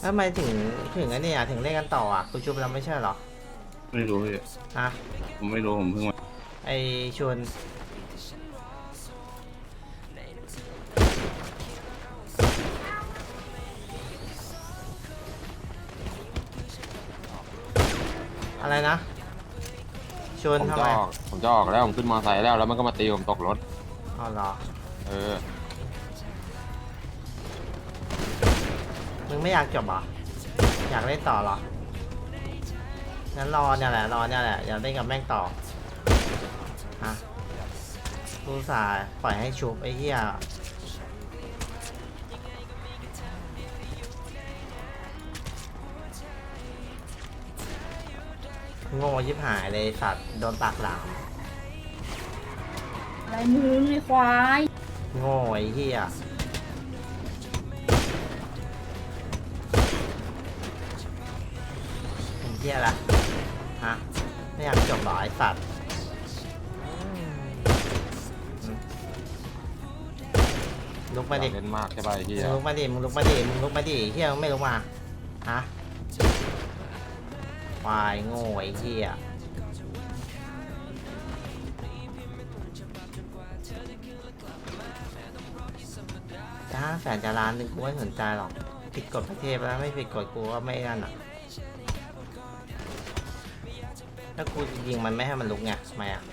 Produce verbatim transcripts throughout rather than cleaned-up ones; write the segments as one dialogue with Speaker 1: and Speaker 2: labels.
Speaker 1: ทำไมถึงถึงอันนี้อ่ะถึงเล่นกันต่ออ่ะกูชุบแล้วไม่ใช่เหรอ
Speaker 2: ไม่รู้พี่
Speaker 1: ฮะ
Speaker 2: ผมไม่รู้ผมเพิ่งมา
Speaker 1: ไอชวนอะไรนะชวน
Speaker 3: ผม
Speaker 1: ทำ
Speaker 3: จะ
Speaker 1: ไม
Speaker 3: ออกผมจะออกแล้วผมขึ้นมอไซค์แล้วแล้วมันก็มาตีผมตกรถ
Speaker 1: อ๋อเหรอ
Speaker 3: เออ
Speaker 1: มึงไม่อยากจบเหรออยากเล่นต่อเหรองั้นรอเนี่ยแหละรอเนี่ยแหละอยากเล่นกับแม่งต่อฮะกูสายปล่อยให้ชุบไอ้เหี้ยโง่ยิบหายเลยสัตว์โดนปากหลาม
Speaker 4: อะไรมึงไอ้ควาย
Speaker 1: โง่ไอ้เหี้ยเป็นเหี้ยละฮะไม่อยากจบหรอไอ้สัตว์ลุกมาดิ
Speaker 3: เล่นมากใช่ป่ะไอ้เหี้ย
Speaker 1: มึงลุกมาดิมึงลุกมาดิมึงลุกมาดิเหี้ยมึงไม่ลุกมาฮะควายโง่ไอ้เหี้ยจะห้าแสนจะล้านหนึ่งกูไม่สนใจหรอกผิดกฎประเทศแล้วไม่ผิดกฎกูก็ไม่นั่นอ่ะถ้ากูยิงมันไม่ให้มันลุกไงทำไมอ่ะ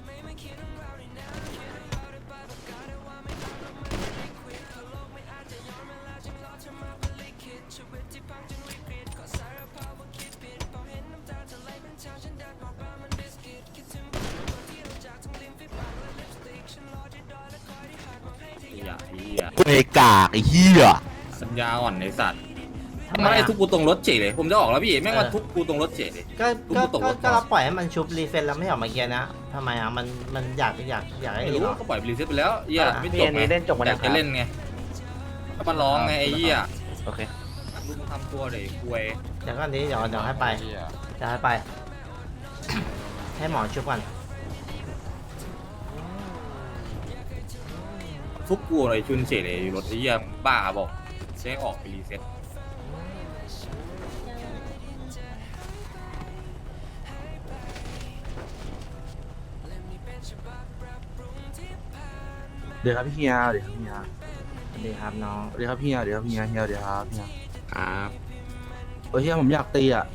Speaker 2: ไอ้กากไอ้เหี้ยสัญญาอ่อนไอ้สัตว์ทำไมทุกกูตรงรถเฉยเลยผมจะออกแล้วพี่แม่งมาทุกกูตรงรถเฉยเลย
Speaker 1: ก็ก็ก็เราปล่อยให้มันชุบรีเฟนแล้วไม่ออกมาเกียร์นะทำไมอ่ะมันมันอยากอยากอยากให้
Speaker 2: ไม่รู้
Speaker 1: ดีหรอ
Speaker 2: ก็ปล่อยรีเซ็ตไปแล้วเหี้ยไม่จบไงอยากจะเล่นไงก็มาร้องไงไอ้เหี้ยโอเคลูกทำตัวเลยคุย
Speaker 1: เดี๋ยวก่อนนี้เดี๋ยวเดี๋ยวให้ไปจะให้ไป ให้หมอชุบก่อน
Speaker 2: ทุกกูเลยชุนเฉยเลยรถไอ้เหี้ยบ้าบอกใช้ออกไปรีเซ็ต
Speaker 5: เดี๋ยวครับพี่เฮียเดี๋ยวครับพี่เฮีย
Speaker 1: สวัสดีครับน้อง
Speaker 5: เดี๋ยวครับพี่เฮียเดี๋ยวครับพี่เฮียเฮียเดี๋ยวครับพี่เฮีย
Speaker 2: ครับ
Speaker 5: โอ้ยเฮียผมอยากตีอ่ะ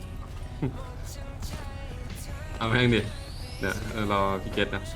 Speaker 2: เอาแม่งดิเดี๋ยวรอพี่เกตนะ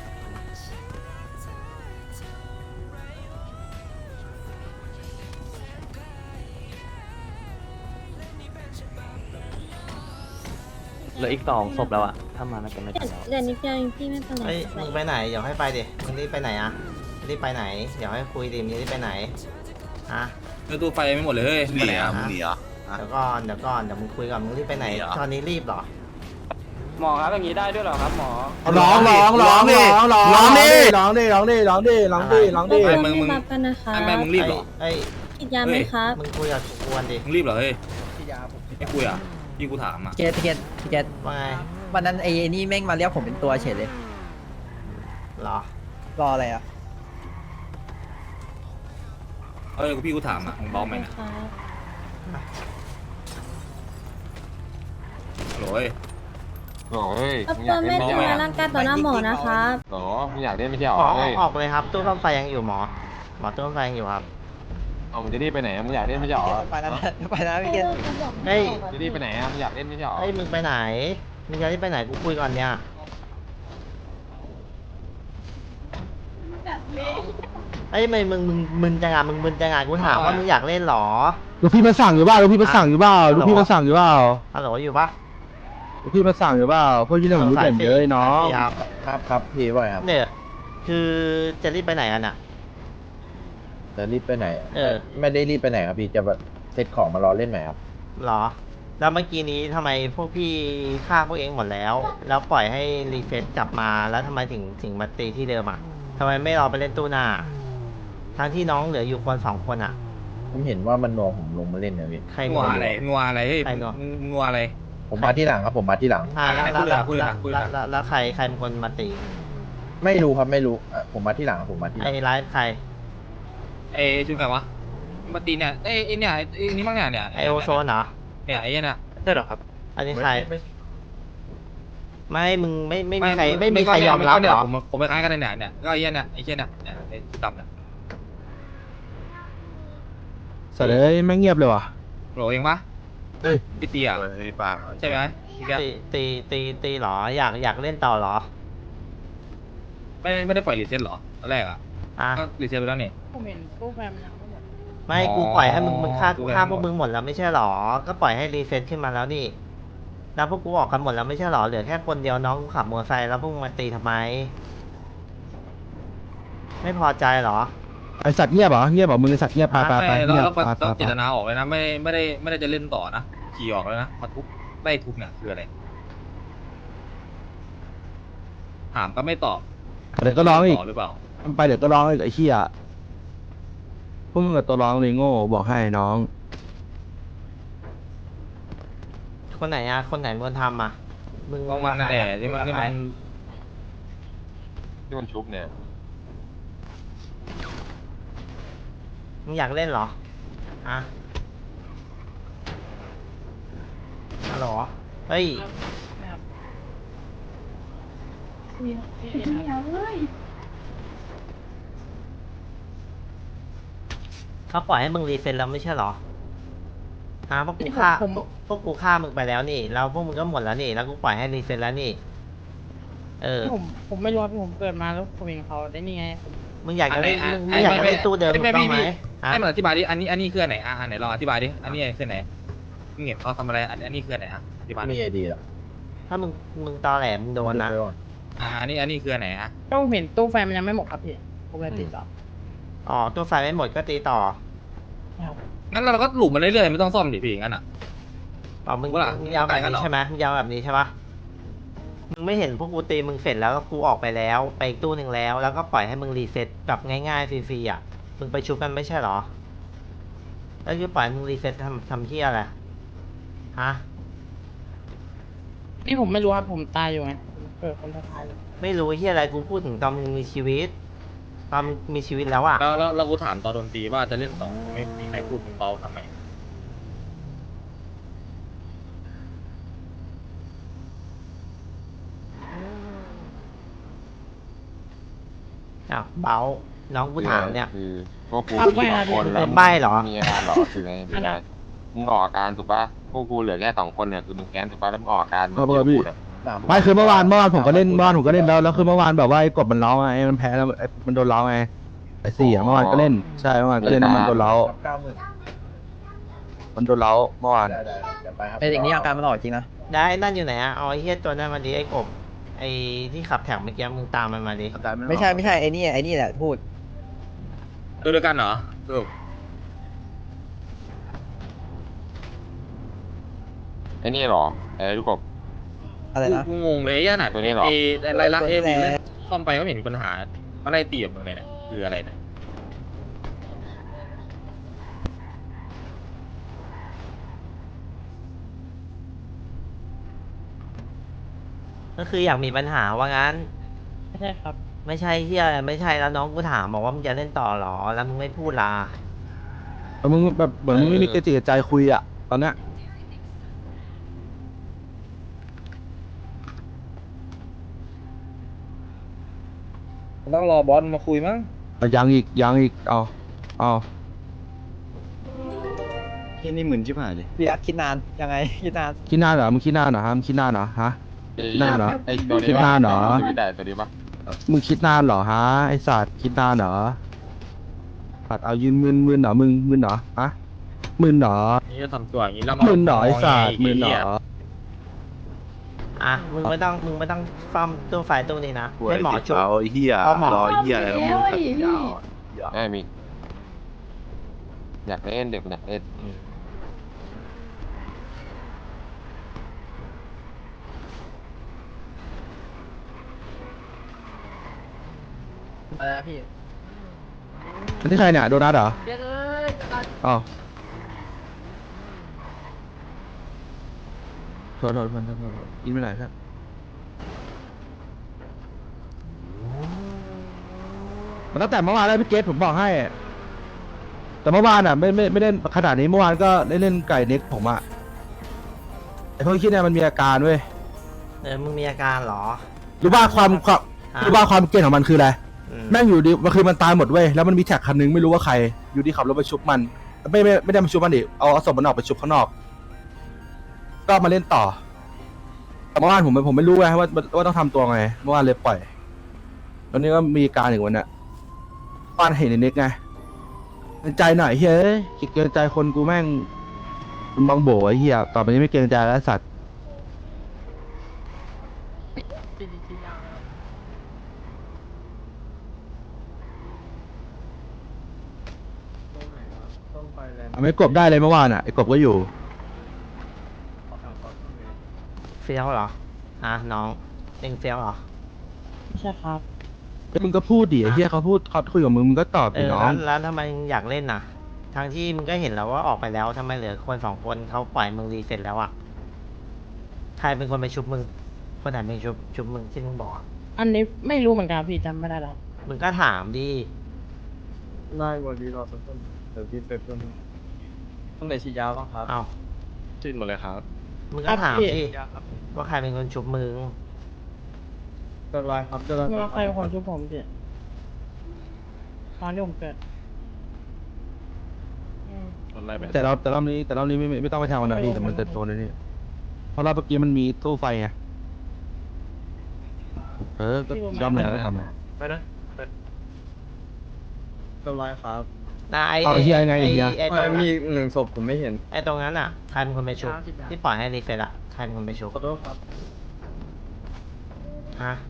Speaker 6: เหลืออีกสองศพแล้วอะถ้ามาน่าจะไม่ทันแล้ว
Speaker 4: เดี๋ยวนิดเดียวเองพี่ไม่เป็นไร
Speaker 1: เฮ้ยมึงไปไหนเดี๋ยวให้ไปดิมึงรีบไปไหนอ่ะรีบไปไหนเดี๋ยวให้คุยดิมึงรีบไปไหนฮะ
Speaker 2: เนื้อตู้ไฟไม่หมดเลยเฮ้ยหนีอ่ะมึงหนีอ่ะ
Speaker 1: เดี๋ยวก่อนเดี๋ยวก่อนเดี๋ยวมึงคุยกับมึงรีบไปไหนตอนนี้รีบเหรอ
Speaker 6: หมอครับอย่างนี้ได้ด้วยเหรอครับหมอ
Speaker 5: ร้องร้องร้องดิร้องร้องดิร้องดิร้องดิร้องดิร้องดิร้องดิ
Speaker 2: มึงมึง
Speaker 4: รับกันนะคะ
Speaker 2: ไอ้แม่มึงรีบเหรอ
Speaker 1: เอ้ย
Speaker 4: กินยาไหมครับ
Speaker 1: มึงคุยกับกวนดิ
Speaker 2: มึงรีบเหรอเฮ้ยไม่คุยอ่ะพี่กูถามอ่ะ
Speaker 7: พี่เกตพี่เกตพี่เกต
Speaker 1: ว่าไง
Speaker 7: วันนั้นไอ้นี่แม่งมาเรียกผมเป็นตัวเฉยเลย
Speaker 1: เหรอ
Speaker 7: รออะไรอ่ะ
Speaker 2: เอ้ยพี่กูถามอ่ะมึงบอกไหมนะโหย
Speaker 3: โอ้ย
Speaker 4: รบ
Speaker 3: มึง
Speaker 4: ก
Speaker 3: อยา
Speaker 4: วน
Speaker 3: ก
Speaker 4: ไม่
Speaker 3: เล่นไม่
Speaker 4: ทำ
Speaker 3: ใช่
Speaker 4: ร้ายร่างกายต่อหน้าหมอนะครับ
Speaker 3: หรอมึงอยากเล่นไม่ใช่หร
Speaker 1: หมอ
Speaker 3: อเฮ้ย
Speaker 1: ออกเลยครับตู้ซ่อมไฟยังอยู่หมอหมอตู้ซ่อมไฟยังอยู่ครับ
Speaker 3: เอามึงจะรีบไปไหนมึงอยากเล่นไม่ใช่หรอ
Speaker 7: ไปแล้วไปแล้วพี่เกต
Speaker 1: เฮ้ย
Speaker 3: จะรีบไปไหนมึงอยากเล่นไม่ใช่หรอ
Speaker 1: เฮ้ยมึงไปไหนมึงจะรีบไปไหนกูคุยก่อนเนี่ยเฮ้ยมึงมึงมึงมึนจังอ่ะมึงมึนจังอ่ะกูถามว่ามึงอยากเล่นหรอ
Speaker 5: ลูกพี่มาสั่งอยู่เปล่าลูกพี่มาสั่งอยู่เปล่าลูกพี่มาสั่งอยู่เปล่า
Speaker 1: ฮัลโหลอยู่ปะ
Speaker 5: ลูกพี่มาสั่งอยู่เปล่าพวกยี่เรื่องผมรู้เด่นเยอะน้อง
Speaker 1: ครับ
Speaker 8: ครับครับพี่ว่าไงครับ
Speaker 1: เนี่ยคือจะรีบไปไหนกันอ่ะ
Speaker 8: จะรีบไปไหน
Speaker 1: เออ
Speaker 8: ไม่ได้รีบไปไหนครับพี่จะแบบเซตของมารอเล่นไหมครับ
Speaker 1: หรอ แล้วเมื่อกี้นี้ทำไมพวกพี่ฆ่าพวกเองหมดแล้ว แล้วปล่อยให้รีเฟซกลับมาแล้วทำไมถึงถึงมาตีที่เดิมอ่ะทำไมไม่รอไปเล่นตู้หน้า ทั้งที่น้องเหลืออยู่คนสองคนอ่ะ
Speaker 8: ผมเห็นว่ามันนวงผมลงมาเล่นนะพี่
Speaker 1: ใคร
Speaker 2: งัวอะไรงัวอะไรเฮ้ย
Speaker 1: ใครงัว
Speaker 2: งัวอะไร
Speaker 8: ผมมาที่หลังครับผมมาที่หลัง
Speaker 1: อ่าแล้วแล้ว
Speaker 2: คุย
Speaker 1: แล้ว
Speaker 2: ละคุยละคุย
Speaker 1: แล้
Speaker 2: ละ
Speaker 1: วแล้วแล้วใครใครเป็นคนมาตี
Speaker 8: ไม่รู้ครับไม่รู้อ่ะผมมาที่หลังครับผมมาที่หลั
Speaker 1: ไอ้
Speaker 8: ง
Speaker 1: ไลฟ์ใคร
Speaker 2: เอ้ชุนใครวะมาตีเนี่ยเอ้ยไอ้เนี่ยไอ้นี่มั้งเนี่ยเนี่ย
Speaker 1: ไอโอโซนเหรอ
Speaker 2: เนี่ยไอ้เนี่ย
Speaker 6: ใช่เหรอครับ
Speaker 1: อันนี้ใครไม่มึงไม่ไม่มีใครไม่มีใครยอมรับเหรอ
Speaker 2: ผมผมไปคล้ายกันเนี่ยเนี่ยก็ไอ้เนี่ยไอ้เชี่ยเนี่ยเนี่ยไอ้ดำเนี่ย
Speaker 5: สัตว์เอ้ยไม่เงียบเลยว่ะ
Speaker 2: โหลเองปะ
Speaker 5: เฮ้ย
Speaker 2: พี่เตียใช่ไหมพี่แก
Speaker 1: ตีตีตีตีเหรออยากอยากเล่นต่อเหรอ
Speaker 2: ไม่ไม่ได้ปล่อยรีเซ็ตหรอตอนแรกอ่ะ
Speaker 1: อ่ะ
Speaker 2: ก็รีเซ็ตไปแล้วนี่
Speaker 4: ผมเห็นตู้แฟมยังไม่หมด
Speaker 1: ไม่
Speaker 2: อ๋อ
Speaker 1: กูปล่อยให้มึงมึงฆ่า
Speaker 2: กู
Speaker 1: กู
Speaker 2: แบ่ง
Speaker 1: ฆ่า
Speaker 2: หมด
Speaker 1: พวกมึงหมดแล้วไม่ใช่หรอ ก็ปล่อยให้รีเซ็ตขึ้นมาแล้วนี่แล้วพวกกูออกกันหมดแล้วไม่ใช่หรอเหลือแค่คนเดียวน้องกูขับมอเตอร์ไซค์แล้วพวกมึงมาตีทำไม ไม่พอใจเหรอ
Speaker 5: ไอสัตว์เงียบเหรอเงียบเหรอมึงไอสัตว์เงียบไปไปไป
Speaker 2: ไม่แล้ว
Speaker 5: เงียบ
Speaker 2: แล้ว
Speaker 5: ไป
Speaker 2: แล้ว
Speaker 5: ไป
Speaker 2: เจตนาออกเลยนะไม่ไม่ได้ไม่ได้จะเล่นต่อนะขี่ออกแล้วนะมาทุบไล่ทุบเนี่ยคืออะไรถามก็ไม่ตอบ
Speaker 5: เดี๋ยวก็ร้องอีก
Speaker 2: ต่อหรือเปล่า
Speaker 5: มันไปเดี๋ยวก็ร้องอีกไอ้เหี้ยพวกมึงกับตัวร้องเลยโง่บอกให้น้อง
Speaker 1: คนไหนอะคนไหนมึงทำอะมึง
Speaker 2: ก็มันนั่นแหละที่มันที่มัน
Speaker 3: ที่มันชุบเนี่ย
Speaker 1: มึงอยากเล่นเหรออะฮัลโหลเฮ้ยเขาปล่อยให้มึงรีเซ็ตแล้วไม่ใช่เหรอฮะพวกกูฆ่าพวกพวกกูฆ่ามึงไปแล้วนี่แล้วพวกมึงก็หมดแล้วนี่แล้วกูปล่อยให้รีเซ็ตแล้วนี่เออ
Speaker 9: ผมผมไม่รู้ว่าผมเกิดมาแล้วผมเห็นเขาได้นี่ไง
Speaker 1: มึงอยากจะเล่นมึงมึงอยากจะเล่นตู้เดิมถูกต้องไหมฮะ
Speaker 2: ให้มันอธิบายดิอันนี้อันนี้คืออันไหนอ่ะอันไหนลองอธิบายดิอันนี้คือไหนมึงเห็นเขาทำอะไรอันอันนี้คืออันไหนอ่ะอธิบาย
Speaker 8: มีไอดีหรอ
Speaker 1: ถ้ามึงมึงตอแหลมึงโดนนะ
Speaker 8: ไปก่อน
Speaker 2: อ่าอันนี้อันนี้คืออันไหนอ่ะ
Speaker 9: ก็ผมเห็นตู้ไฟมันยังไม่หมดครับพี่ผมเลยติดต่อ
Speaker 1: อ๋อตัวไฟไม่หมดก็ตีต่อ
Speaker 2: งั้นเราก็หลุมมันเรื่อยๆไม่ต้องซ่อมดิพี่งั้นอ่ะ
Speaker 1: อ๋อมึง
Speaker 2: ว่าล่ะ
Speaker 1: มึงยาวแบบ
Speaker 2: ไกลกันเหร
Speaker 1: นี้
Speaker 2: อ
Speaker 1: ใช่ไหมมึงยาวแบบนี้ใช่ปะมึงไม่เห็นพวกกูตีมึงเสร็จแล้วก็กูออกไปแล้ว ไปอีกตู้หนึ่งแล้ว แล้วก็ปล่อยให้มึงรีเซ็ตแบบง่ายๆฟรีๆอ่ะ มึงไปชุบกันไม่ใช่เหรอ แล้วคือปล่อยให้มึงรีเซ็ตทำทำที่อะไรฮะ
Speaker 9: นี่ผมไม่รู้ครับผมตายอยู่ไงผมเกิดคนตายเลย
Speaker 1: ไม่รู้ที่อะไรกูพูดถึงตอนมึงมีชีวิต ตอนมึงมีชีวิตแล้วอ่ะ
Speaker 2: แล้วแล้วเรากูถามตอนโดนตีว่าจะเล่นต่อไม่มีใครพูดมึงเบาทำไม
Speaker 1: อ้าวเบาน้องกูถามเนี่ย
Speaker 3: คือพวกกูมีสองคนแล้ว
Speaker 1: ใบ้เหรอ
Speaker 3: มีอาการหรอคือไงมีอาการมึงออกอาการถูกปะพวกกูเหลือแค่สองคนเนี่ยคือมึงแค้นถูกปะแล้วมึงออกอาการ
Speaker 5: เอาไปก่อนพี่
Speaker 3: เนี่ย
Speaker 5: ไม่คือเมื่อวานเมื่อวานผมก็เล่นเมื่อวานผมก็เล่นแล้วแล้วคือเมื่อวานแบบว่าไอ้กบมันร้องไงมันแพ้แล้วไอ้มันโดนร้องไงไอ้สี่อะเมื่อวานก็เล่นใช่เมื่อวานก็เล่นแล้วมันโดนร้อง
Speaker 8: เก้าหมื่น
Speaker 5: มันโดนร้องเมื่อวาน
Speaker 8: ได้ได้เดี๋ยวไปครับ
Speaker 7: ไอ้สิ่งนี้อาการมันออกจริงนะ
Speaker 1: ได้นั่นอยู่ไหนอ่ะเอาไอ้เฮียตัวนั้นมาดิไอ้กบ ไอ้ที่ขับแถวเมื่อกี้มึงตามมันมาดิ
Speaker 7: ไม่ใช่ไม่ใช่ไอ้นี่ไอ้นี่แหละพูด
Speaker 2: ดูด้วยกันเหรอสรุป
Speaker 3: ไอ้นี่หรอไอ้ลูกกบ
Speaker 7: อะไรนะ
Speaker 2: กูงงเลยอ่ะน่ะ
Speaker 3: ตัวนี้เหรอ
Speaker 2: เออะไรละ
Speaker 7: ตัว
Speaker 2: เอ
Speaker 7: นี้แหละ
Speaker 2: ซ่อมไปก็ไม่เห็นมีปัญหาอะไรตีกับมึงเลยเนี่ยคืออะไรเนี่ย
Speaker 1: ก็คืออยากมีปัญหาว่างั้น
Speaker 9: ไม่ใช่ครับ
Speaker 1: ไม่ใช่เฮียอะไรไม่ใช่แล้วน้องกูถามบอกว่ามึงจะเล่นต่อเหรอ แล้วมึงไม่พูดล่ะ
Speaker 5: แล้วมึงแบบเหมือนมึงไม่มีกระจิตกระใจคุยอ่ะตอนเนี้ย
Speaker 2: ต้องรอบอสมาคุยมั้ง
Speaker 5: เอายังอีกยังอีกเอาเอา
Speaker 6: ที่นี่หมื่นชิบหายเลย
Speaker 7: พี่อักคิดนานยังไงคิดนาน
Speaker 5: คิดหน้าเหรอมึงคิดหน้าเหรอฮะมึงคิดหน้าเหรอฮะ หน้าเหรอ
Speaker 3: ไอ้ตัวนี้
Speaker 5: คิดหน้าเหรอ
Speaker 3: ตัวนี้ได้ตัวนี้ปะ
Speaker 5: มึงคิดนานเหรอฮะไอสัตว์คิดนานเหรอสัตว์เอายืนมึนมึนเหรอมึงมึนเหรอฮะมึนเหรอ
Speaker 2: นี่จะทำตัวอย่างนี้แล้ว
Speaker 5: มึนเหรอไอสัตว์มึนเหรอ
Speaker 1: อ่ะมึงไม่ต้องมึงไม่ต้องซ่อมตู้ไฟตู้นี้นะให้หมอชุบ
Speaker 6: เอาเฮีย
Speaker 1: เอาหมอ
Speaker 6: รอเฮียอะไรแล้วมึงขัดยาว
Speaker 3: แม่มีอยากเล่นเด็กมันอยากเล่น
Speaker 7: อะไรนะพี่
Speaker 5: อันนี้ใครเนี่ยโดนัทเหรออ๋อโทษโทษเพื่อนโทษโทษโทษอินไปไหนครับมันตั้งแต่เมื่อวานแล้วพี่เกตผมบอกให้แต่เมื่อวานอ่ะไม่ไม่ไม่ได้ขนาดนี้เมื่อวานก็ได้เล่นไก่เน็กผมอ่ะไอพวกที่เนี่ยมันมีอาการเว้ย
Speaker 1: เออมึงมีอาการเหรอ
Speaker 5: รู้ว่าความความ
Speaker 1: อ่ะ
Speaker 5: รู้ว่าความเก่งของมันคืออะไร
Speaker 1: อืม
Speaker 5: แม่งอยู่ดีมันคือมันตายหมดเว้ยแล้วมันมีแท็กคันนึงไม่รู้ว่าใคร อยู่ดีขับรถไปชุบมัน ไม่ไม่ไม่ได้มาชุบมันดิเอาเอาศพมันออกไปชุบข้างนอก ก็มาเล่นต่อแต่เมื่อวานผมผมไม่รู้ไงว่าว่าต้องทำตัวไงเมื่อวานเลยปล่อยตอนนี้ก็มีการอีกวันเนี้ยเมื่อวานเห็นในเน็กไงเกรงใจหน่อยเฮ้ยเกรงใจคนกูแม่งมันบังโบไอ้เหี้ยต่อไปนี้ไม่เกรงใจแล้วสัตว์ เอาไม่กบได้เลยเมื่อวานอ่ะไอ้กบก็อยู่
Speaker 1: เฟี้ยวเหรออ่ะน้องเองเฟี้ยวเหรอ
Speaker 9: ไม่ใช่ครับ
Speaker 5: เฮ้ยมึงก็พูดดิไอ้เหี้ยเขาพูดเขาคุยกับมึงมึงก็ตอบ
Speaker 1: เอ
Speaker 5: ดิ
Speaker 1: อ
Speaker 5: น้อ
Speaker 1: แล้
Speaker 5: ง
Speaker 1: วแล้วทำไมมึงอยากเล่นน่ะทั้งที่มึงก็เห็นแล้วว่าออกไปแล้วทำไมเหลือคนสองคนเขาปล่อยมึงรีเสร็จแล้วอ่ะใครเป็นคนไปชุบมึงคนไหนเป็นชุบชุบมึงที่มึงบอกอะ
Speaker 9: อันนี้ไม่รู้เหมือนกันพี่จำไม่ได้แล้ว
Speaker 1: มึงก็ถามดิ
Speaker 7: ได้วันนี้รอสักครู่เดี๋ยวพี่ไปเพิ่มต้องไหนฉีดยาบ้างครับ
Speaker 1: เอา
Speaker 3: สิ้นหมดเลยครับ
Speaker 1: มึงก็ถามดิว่าใครเป็นคนชุบมึง
Speaker 7: เรียบร้อยครับเรียบร้อย
Speaker 9: ไม่ว่าใครเป็นคนช่วยผมพี่ตอนที่ผมเกิดอืม
Speaker 5: แต่เราแต่รอบนี้แต่รอบนี้ไม่ไม่ไม่ต้องไปทางวันนะพี่แต่มันจะโดนในนี่เพราะรอบเมื่อกี้มันมีตู้ไฟไงเออก็ยอมเลยก็ทำ
Speaker 6: ไปนะ
Speaker 7: เรียบร้อยครับ
Speaker 1: นะไอ้
Speaker 5: เอาไอ้เหี้ยไงไอ้เหี้ย
Speaker 1: ไอ้ตรง
Speaker 7: มีหนึ่งศพผมไม่เห็น
Speaker 1: ไอ้ตรงนั้นอ่ะใครเป็นคนไปชุบที่ปล่อยให้รีเฟรชอ่ะใครเป็นคนไปชุบ
Speaker 7: ขอโทษครับ
Speaker 1: ฮะ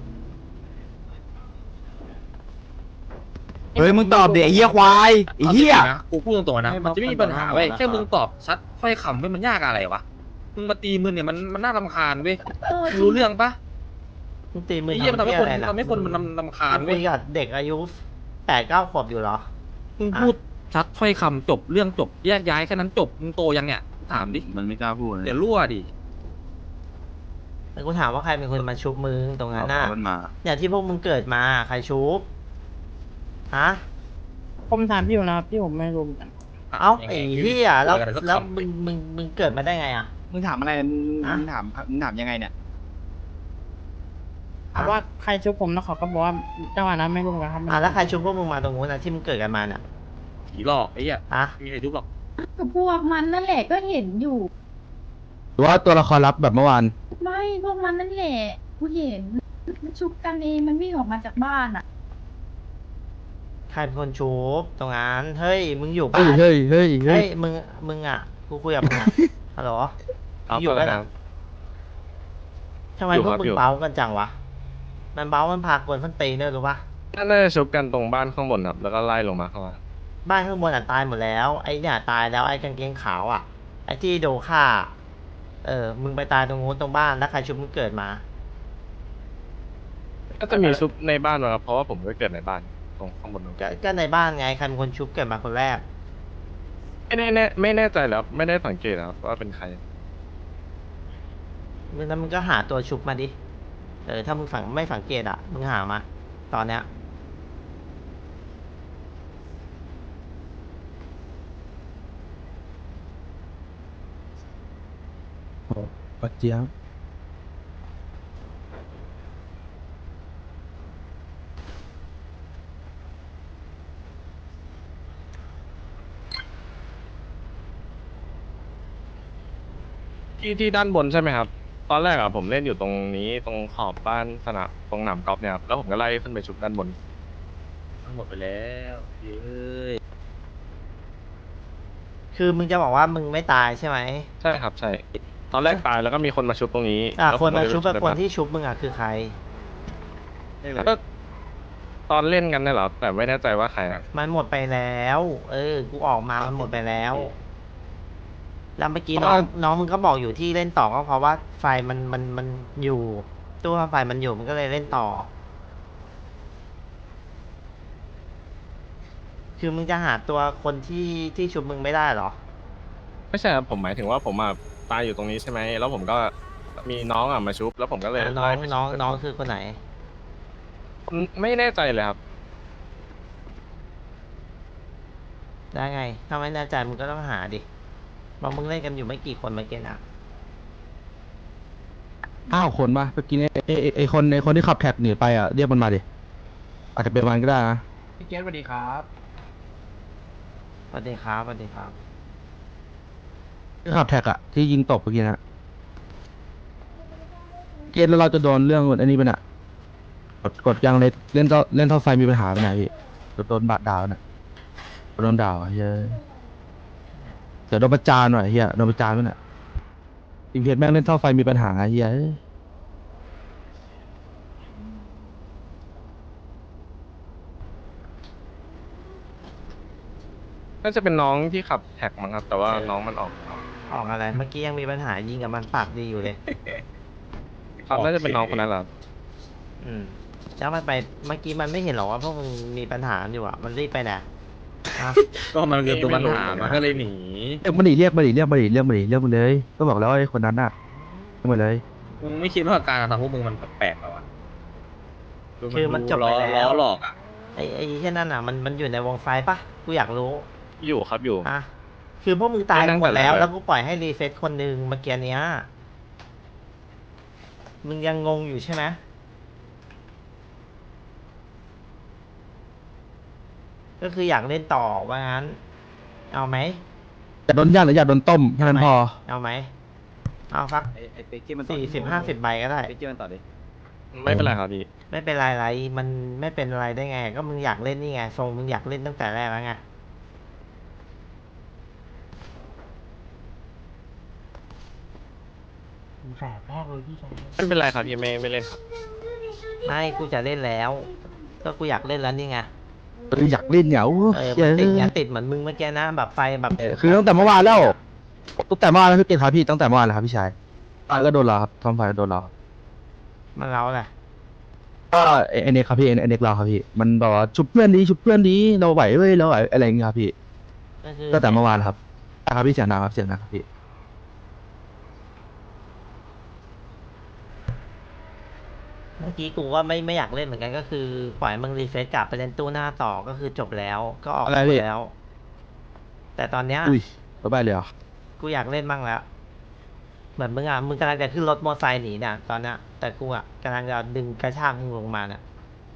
Speaker 7: เฮ้ยมึงตอบดิไอ้เหี้ยควายไอ้เหี้ย
Speaker 2: นะกูพูดตรงๆนะมันจะไม่มีปัญหาเว้ยแค่มึงตอบชัดถ้อยคำเว้ยมันยากอะไรวะมึงมาตีมือเนี่ยมันมันน่ารำคาญเว้ยมึงรู้เรื่องปะ
Speaker 1: มึงตีมือ
Speaker 2: ไอ้เหี้ยมันทำให้คน
Speaker 1: อะไรล่ะ
Speaker 2: ทำให้คนมันรำรำคาญ
Speaker 1: มึง
Speaker 2: เว้
Speaker 1: คุ
Speaker 2: ย
Speaker 1: ยกับเด็กอายุแปดเก้าขวบอยู่เหรอ
Speaker 2: มึงพูดชัดถ้อยคำจบเรื่องจบแยกย้ายแค่นั้นจบมึงโตยังเนี่ยถามดิ
Speaker 3: มันไม่กล้าพูดเลย
Speaker 2: เดี๋ยวรั่วดิ
Speaker 1: แต่กูถามว่าใครเป็นคนมาชุบมึงตรงนั้นน่ะ
Speaker 3: มันมา
Speaker 1: อย่างที่พวกมึงเกิดมาใครชุบฮะ
Speaker 9: ผมถามพี่อยู่นะครับพี่ผมไม่รู้เหมือนกัน
Speaker 1: เอ้าไอ้เหี้ยแล้ว
Speaker 2: เกิดอะไรสัก
Speaker 1: แล้ว
Speaker 2: คำ
Speaker 1: มึงมึงมึงเกิดมาได้ไงอ่ะ
Speaker 7: มึงถามอะไรมึง
Speaker 1: ฮะ
Speaker 7: มึงถามมึงถามยังไงเนี่ย
Speaker 9: ถามว่าใครช่วยผมแล้วเขาก็บอกว่าจังหวะนั้นไม่รู้เหมือนกันครับ
Speaker 1: อ่ะแล้วใครชุบพวกมึงมาตรงนู้นนะที่มึงเกิดกันมาเนี่ย
Speaker 2: ผีหลอกไอ้เหี้ย
Speaker 1: ฮะ
Speaker 2: มีใครทุบหรอก
Speaker 10: กับพวกมันนั่นแหละก็เห็นอยู่
Speaker 5: หรือว่าตัวละครลับแบบเมื่อวาน
Speaker 10: ไม่พวกมันนั่นแหละกูเห็นมันชุบกันเองมันวิ่งออกมาจากบ้านอ่ะ
Speaker 1: ใครเป็นคนชุบตรงนั้นเฮ้ยมึงอยู่
Speaker 5: เฮ้
Speaker 1: ปะ
Speaker 5: ยเฮ้ยเฮ้ยเฮ้
Speaker 1: เฮ้
Speaker 5: ย
Speaker 1: ยมึงมึงอ่ะกูคุยกับมึงอ่ะ ฮัลโหล
Speaker 3: เอา
Speaker 1: อยู่
Speaker 3: ไป
Speaker 1: กัน
Speaker 3: ค
Speaker 1: อ่ะ
Speaker 3: รับ
Speaker 1: ทำไม
Speaker 3: อยู่
Speaker 1: พวก
Speaker 3: ครับ
Speaker 1: มึ
Speaker 3: อง ยู่
Speaker 1: เบ้ากันจังวะมันเบ้ามันพากวนส้นตีนเนี่ยรู้ปะ
Speaker 3: น่าจะชุบกันตรงบ้านข้างบนครับ แล้วก็ไล่ลงมาเข้ามา
Speaker 1: บ้านข้างบนอ่ะตายหมดแล้วไอ้เนี่ยตายแล้วไอ้กางเกงขาวอ่ะไอ้ที่โดนฆ่าเออมึงไปตายตรงนู้นตรงบ้านแล้วใครชุบมึงเกิดมา
Speaker 3: ก็จะมีชุบในบ้านมาครับเพราะว่าผมก็เกิดในบ้านตรงข้างบนตรง
Speaker 1: ก็ก็ในบ้านไงใครเป็นคนชุบเกิดมาคนแรก
Speaker 3: ไม่แน่แน่ไม่แน่ใจแล้ว ไม่ได้สังเกตนะครับว่าเป็นใคร
Speaker 1: แล้วมึงก็หาตัวชุบมาดิ เออถ้ามึงฝังไม่สังเกตอ่ะ มึงหามา ตอนเนี้ย
Speaker 5: โอ้ปัจเจียบ
Speaker 3: ที่ที่ด้านบนใช่ไหมครับ ตอนแรกอะผมเล่นอยู่ตรงนี้ตรงขอบบ้านสนามตรงหนามกอล์ฟเนี่ยครับแล้วผมก็ไล่ขึ้นไปชุบด้านบน
Speaker 2: ทั้งหมดไปแล้วเฮ้ย
Speaker 1: คือมึงจะบอกว่ามึงไม่ตายใช่ไหม
Speaker 3: ใช่ครับใช่ ตอนแรกตายแล้วก็มีคนมาชุบตรงนี้
Speaker 1: อ่ะ
Speaker 3: แล้ว
Speaker 1: คนมา
Speaker 3: ผก็เลย
Speaker 1: ชุบกับ
Speaker 3: ไป
Speaker 1: คนที่ชุบมึงอ่ะคือใคร
Speaker 3: ก็ตอนเล่นกันเนี่ยเหรอแต่ไม่แน่ใจว่าใครอะ
Speaker 1: มันหมดไปแล้ว เออ กูออกมา มันหมดไปแล้ว แล้วเมื่อกี้น้องน้องมึงก็บอกอยู่ที่เล่นต่อก็เพราะว่าไฟมันมันมันอยู่ ตู้ไฟมันอยู่มันก็เลยเล่นต่อ คือมึงจะหาตัวคนที่ที่ชุบมึงไม่ได้เหรอ
Speaker 3: ไม่ใช่ครับผมหมายถึงว่าผมอะตายอยู่ตรงนี้ใช่ไหมแล้วผมก็มีน้องอะมาชุบ แล้วผมก็เลย
Speaker 1: น้อง
Speaker 3: ไล่ไป
Speaker 1: น้อง
Speaker 3: ชุบ
Speaker 1: น้องคือคนไหน
Speaker 3: ไม่แน่ใจเลยครับ
Speaker 1: ได้ไงถ้าไม่แน่ใจมึงก็ต้องหาดิบอกมึงเล่นกันอยู่ไม่กี่คนเมื่อกี้นะ
Speaker 5: ห้าคนปะเมื่อกี้เนี่ยไอไอ้ไอคนไอคนที่ขับแท็กหนีไปอ่ะเรียกมันมาดิอาจจะเป็นมันก็ได้นะ
Speaker 7: พี่เกตสวัสดีครับ
Speaker 1: สวัสดีครับสวัสดีครับ
Speaker 5: ที่ขับแท็กอ่ะที่ยิงตบเมื่อกี้นะเกณฑ์แล้วเราจะโดนเรื่องอันนี้เป็นอ่ะกดกดยังเลยเล่นเท่าเล่นเท่าไฟมีปัญหาไปไหนพี่โดนบาดดาวน่ะโดนด่าวเฮ้ยเดี๋ยวโดนประจานหน่อยเฮียโดนประจานไปน่ะทีมเพจแม่งเล่นเท่าไฟมีปัญหาเฮีย
Speaker 3: น่าจะเป็นน้องที่ขับแท็กมั้งครับ แต่ว่าน้องมันออก
Speaker 1: ออกอะไรเมื่อกี้ยังมีปัญหายิงกับมันปากดีอยู่เลย
Speaker 3: ครับน่าจะเป็นน้องคนนั้นแหละครับ
Speaker 1: อืมแล้วมันไปเมื่อกี้มันไม่เห็นหรอว่าพวกมึงมีปัญหาอยู่อ่ะมันรีบไปไหนอ่ะ
Speaker 2: ก็มันเกิดตัวปัญหามันก็เลยหนี
Speaker 5: เรียกมาดิเรียกมาดิเรียกมาดิเรียกมาดิเรียกมาเลย ก็บอกแล้วไอ้คนนั้นน่ะเรียกมาเลย
Speaker 2: มึงไม่คิดว่าการกระทำพวกมึงมันแปลกๆหรอวะ
Speaker 1: คือมันจบ
Speaker 2: ล้
Speaker 1: ไป
Speaker 2: อ
Speaker 1: แล้
Speaker 2: ล้
Speaker 1: ว
Speaker 2: อหลอกอ่ะ
Speaker 1: ไอ้ไอ้แค่นั้นอ่ะมันมันอยู่ในวงไฟปะกูอยากรู้
Speaker 3: อยู่ครับอยู่
Speaker 1: อ่ะคือพวกมึงตาย
Speaker 3: ไม่นั่ง
Speaker 1: หมดแล้ว
Speaker 3: แต่ละ
Speaker 1: แล้วกูปล่อยให้รีเซ็ตคนหนึ่งเมื่อกี้เนี้ยมึงยังงงอยู่ใช่ไหมก็คืออยากเล่นต่อว่างั้น เอาไหม
Speaker 5: อยากโดนย่างหรืออยากโดนต้มแค่นั้นพอ
Speaker 1: เอาไหมเอาฟัก
Speaker 7: ไอ้ไอ้เป๊กที่มัน
Speaker 1: สี่สิบห้าสิบใบก็ได้
Speaker 7: เป๊กที่มันต่อดิ
Speaker 3: ไม่เป็นไรครับพี่
Speaker 1: ไม่เป็นไรไรมันไม่เป็นอะไรได้ไง ก็มึงอยากเล่นนี่ไงทรงมึงอยากเล่นตั้งแต่แรกแล้วไงแสบแรกเลยพี่ชาย
Speaker 3: ไม่เป็นไรครับพี่ไม่ไม่เล่นครับ
Speaker 1: ไม่กูจะเล่นแล้ว ก็กูอยากเล่นแล้วนี่ไง
Speaker 5: เอออยากเล่นเนี่ยโอ้
Speaker 1: เออ
Speaker 5: เหี้ย
Speaker 1: มันติดไงติดเหมือนมึงเมื่อกี้นะแบบไฟแบบ
Speaker 5: เออคือตั้งแต่เมื่อวานแล้วตั้งแต่เมื่อวานแล้วพี่เกศครับพี่ตั้งแต่เมื่อวานแล้วครับพี่ชายตายก็โดนเราครับทอมไฟก็โดนเรา
Speaker 1: มันเล้าแหละ
Speaker 5: ก็ไอ้ไอเน็กครับพี่ไอเน็กเราครับพี่มันบอกว่าชุบเพื่อนดีชุบเพื่อนดีเราไหวเว้ยเราไหวอะไรอย่างเงี้ยครับพี่
Speaker 1: ก็คือ
Speaker 5: ตั้งแต่เมื่อวานครับใช่ครับพี่เสียงดังครับเสียงดังครับพี่
Speaker 1: เมื่อกี้กูว่าไม่ไม่อยากเล่นเหมือนกันก็คือปล่อยมึงรีเฟซกลับไปเล่นตู้หน้าต่อก็คือจบแล้ว ก็ออก
Speaker 5: อะไรพี่
Speaker 1: แล้ว แต่ตอนเนี้ย
Speaker 5: อุ้ยบ๊ายบายเลยเหรอ
Speaker 1: กูอยากเล่นบ้างแล้ว เหมือนมึงอ่ะ มึงกำลังจะขึ้นรถมอเตอร์ไซค์หนีเนี่ยตอนเนี้ยแต่กูอ่ะกำลังจะดึงกระชากมึงลงมาเนี่ย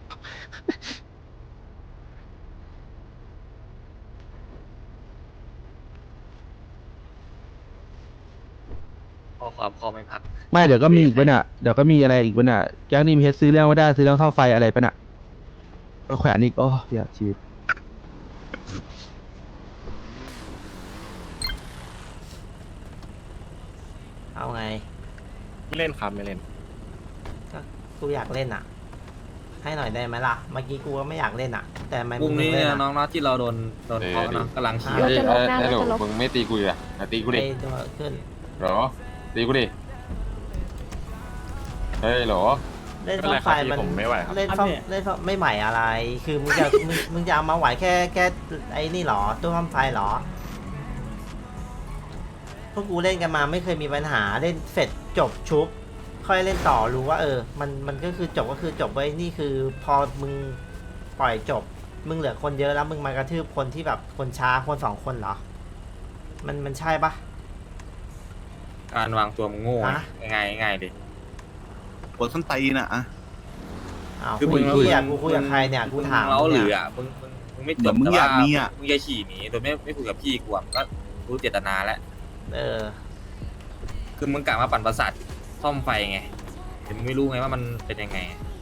Speaker 2: ข้อความคอไม่พัก
Speaker 5: ไม่เดี๋ยวก็มีอีกปะเนี่ยเดี๋ยวก็มีอะไรอีกปะเนี่ยแก๊งนี้มีเฮดซื้อเรื่องไม่ได้ซื้อเรื่องเท่าไฟอะไรปะเนี่ยก็แขวนอีกโอ้เหี้ยชีวิต
Speaker 1: เอาไง
Speaker 3: ไม่เล่นครับไม่เล่น
Speaker 1: ก็กูอยากเล่นอ่ะ ให้หน่อยได้ไหมล่ะ เมื่อกี้กูก็ไม่อยากเล่นอ่ะ แต่ทำไม
Speaker 2: พรุ่ง
Speaker 1: มึง
Speaker 2: นี้
Speaker 1: เล่
Speaker 2: เนี่ย
Speaker 1: น
Speaker 2: น้
Speaker 1: อ่ะ
Speaker 2: องนัดที่เราโดนโดนเคาะนะกำลังขี่
Speaker 1: เฮ้ย
Speaker 11: เอ้ยเอ้ยเดี๋ยวมึงไม่ตีกูอ่ะมาตีกูดิ
Speaker 1: ไอ้ตัวขึ้น
Speaker 11: เหรอตีกูดิเฮ้ยเหรอ
Speaker 1: เล่น
Speaker 3: ไม่เป็น
Speaker 1: ซ่อ
Speaker 3: ไร
Speaker 1: ม
Speaker 3: ค
Speaker 1: ไฟ
Speaker 3: รับ
Speaker 1: มัน
Speaker 3: พี่ผมไม่ไหวครับ
Speaker 1: เล่นซ่อมเล่นซ่อมไม่ใหม่อะไร คือมึงจะมึงมึงจะเอามาไหวแค่แค่ไอ้นี่เหรอตู้ซ่อมไฟเหรอ พวกกูเล่นกันมาไม่เคยมีปัญหาเล่นเสร็จจบชุบ ค่อยเล่นต่อรู้ว่าเออ มันมันก็คือจบก็คือจบไว้นี่คือพอมึงปล่อยจบ มึงเหลือคนเยอะแล้วมึงมากระทืบคนที่แบบคนช้าคนสองคนเหรอ มันมันใช่ปะ
Speaker 2: การวางตัวมึงโง่
Speaker 1: ฮะ
Speaker 2: ง่ายง่ายดิ
Speaker 12: ปวดส้นตีนอ่ะอะ
Speaker 1: อ้าว
Speaker 2: คือ
Speaker 1: คุ
Speaker 2: มึ
Speaker 1: ย
Speaker 2: ง
Speaker 1: คุยอ่ะกูคุยกับใครเนี่ยกูถาม
Speaker 2: เล้าหรือ
Speaker 1: เนี่ย
Speaker 2: อ่ะมึงมึงมึงไม่
Speaker 12: เห
Speaker 2: จ
Speaker 12: มือบ นมึง
Speaker 2: แต่
Speaker 12: อยา
Speaker 2: ว่าก
Speaker 12: มีอ่ะ
Speaker 2: มึงจะขี่หนีโดยไม่ไม่คุยกับพี่กูอ่ะมันก็รู้เจตนาแล้ว
Speaker 1: เออ
Speaker 2: คือมึงกะมาปั่นประสาทซ่อมไฟไงแต่มึงไม่รู้ไงว่ามันเป็นยังไง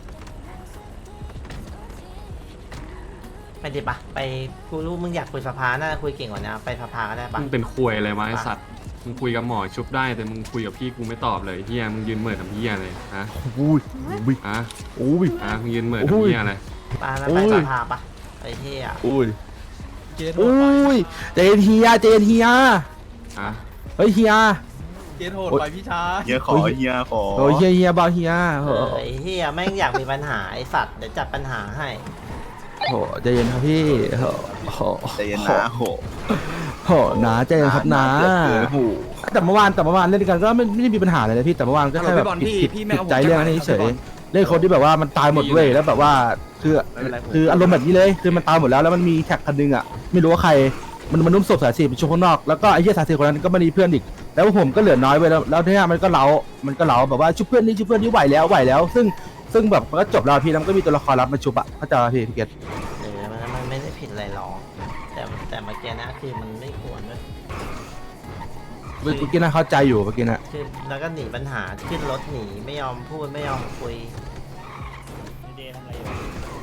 Speaker 1: ไปดิปะไปกูรู้มึงอยากคุยสภาน่าจะคุยเก่งกว่านี้ไปสภาก็ได้ปะ
Speaker 3: มึงเป็นควยอะไรวะไอสัตว์มึงคุยกับหมอชุบได้แต่มึงคุยกับพี่กูไม่ตอบเลยเฮียมึงยืนเหม่อทำเฮียเลยฮะ
Speaker 5: อุ้ยอุ้ย
Speaker 3: ฮะ
Speaker 5: อุ้ย
Speaker 3: ฮะมึงยืนเหม่อทำเฮียอะไร
Speaker 1: ปานะ
Speaker 5: โอ้
Speaker 1: ไป
Speaker 5: ย
Speaker 1: สภาปะไอ้เหี้ย
Speaker 5: อุ้ยอุ้ยเจนเฮียเจนเฮีย
Speaker 3: ฮะ
Speaker 5: เฮ้ยเฮีย
Speaker 7: เกตโหดไปพี่ชาย
Speaker 12: เฮียขอเฮียขอ
Speaker 5: โอ้ยเฮียเฮียเบาเฮีย
Speaker 1: เอ
Speaker 5: โอ้
Speaker 1: อไอ้เหี้ยแม่งอยากมีปัญหาไอ้สัตว์เดี๋ยวจัดปัญหาให้
Speaker 5: โหใจเย็นครับพี่โหโห
Speaker 12: ใจเย็นนะโห
Speaker 5: โหนาใจเย็นครับนา
Speaker 12: เกินหู
Speaker 5: แต่เมื่อวานแต่เมื่อวานเล่นด้วยกันก็ไม่ไม่ได้มีปัญหาอะไรเลยพี่แต่เมื่อวานก็แค่แบบผิดผิดผิดใจเรื่องนี้เฉยเล่นคนที่แบบว่ามันตายหมดเว้ยแล้วแบบว่าคือคืออารมณ์แบบนี้เลยคือมันตายหมดแล้วแล้วมันมีแท็กคันนึงอ่ะไม่รู้ว่าใครมันมันนุ่มศพสายสีไปชุบข้างนอกแล้วก็ไอ้เหี้ยสายสีคนนั้นก็ไม่มีเพื่อนอีกแล้วผมก็เหลือน้อยไปแล้วแล้วเนี่ยมันก็เล้ามันก็เล้าแบบว่าชุบเพื่อนนี่ชุบเพื่อนนี่ไหวแล้วไหวแล้ว ซึ่งซึ่งแบบมันก็จบแล้วพี่แล้วมันก็มีตัวละครรับมาชุบอะเข้าใจป่ะพี่พี่เกต
Speaker 1: เออมันมันไม่ได้ผิดอะไรหรอกแต่แต่เมื่อกี้นะคือมันไม่ควรด้วย
Speaker 5: เมื่อกี้น่าเข้าใจอยู่เมื่อกี้นะ
Speaker 1: คือแล้วก็หนีปัญหาขึ้นรถหนีไม่ยอมพูดไม่ยอมคุย
Speaker 9: เดย์ทำอะไรอยู่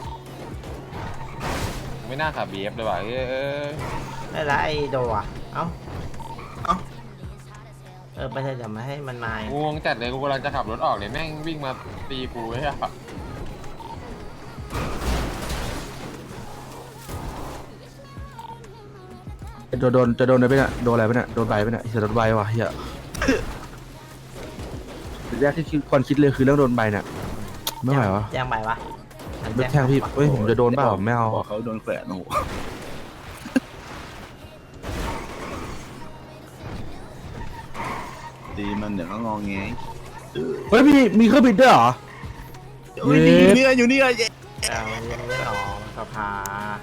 Speaker 11: ไม่น่าขับบีเอฟเลยว่ะเอ้ย
Speaker 1: ได้ละไอโดอ่ะเอ้า
Speaker 12: เอ้า
Speaker 1: เออไปเถอะจะมาให้มันมา
Speaker 11: กูงงจัดเลยกูกำลังจะขับรถออกเลยแม่งวิ่งมาตีกูไอ้เหี้ย
Speaker 5: โดนโดนจะโดนอะไรไปเนี่ยโดนอะไรไปเนี่ยโดนใบไปเนี่ยเสียโดนใบว่ะเฮียสิ่งแรกที่คิดควรคิดเลยคือเรื่องโดนใบเนี่ยไม่ไหววะ
Speaker 1: แจ้งใบวะอัน
Speaker 5: ไม่แทงพี่เฮ้ยผมจะโดนเปล่าไม่เอา
Speaker 12: บอกเขาโดนแขวนโอ้โหตีมันเดี๋ยวก็งองแง
Speaker 5: เฮ้ยมีมีเครื่องบินด้วยเหรอ
Speaker 12: เฮ้ยอยู่นี่ไงอยู่นี่ไง
Speaker 1: แต่มันยังไม่ออกสภา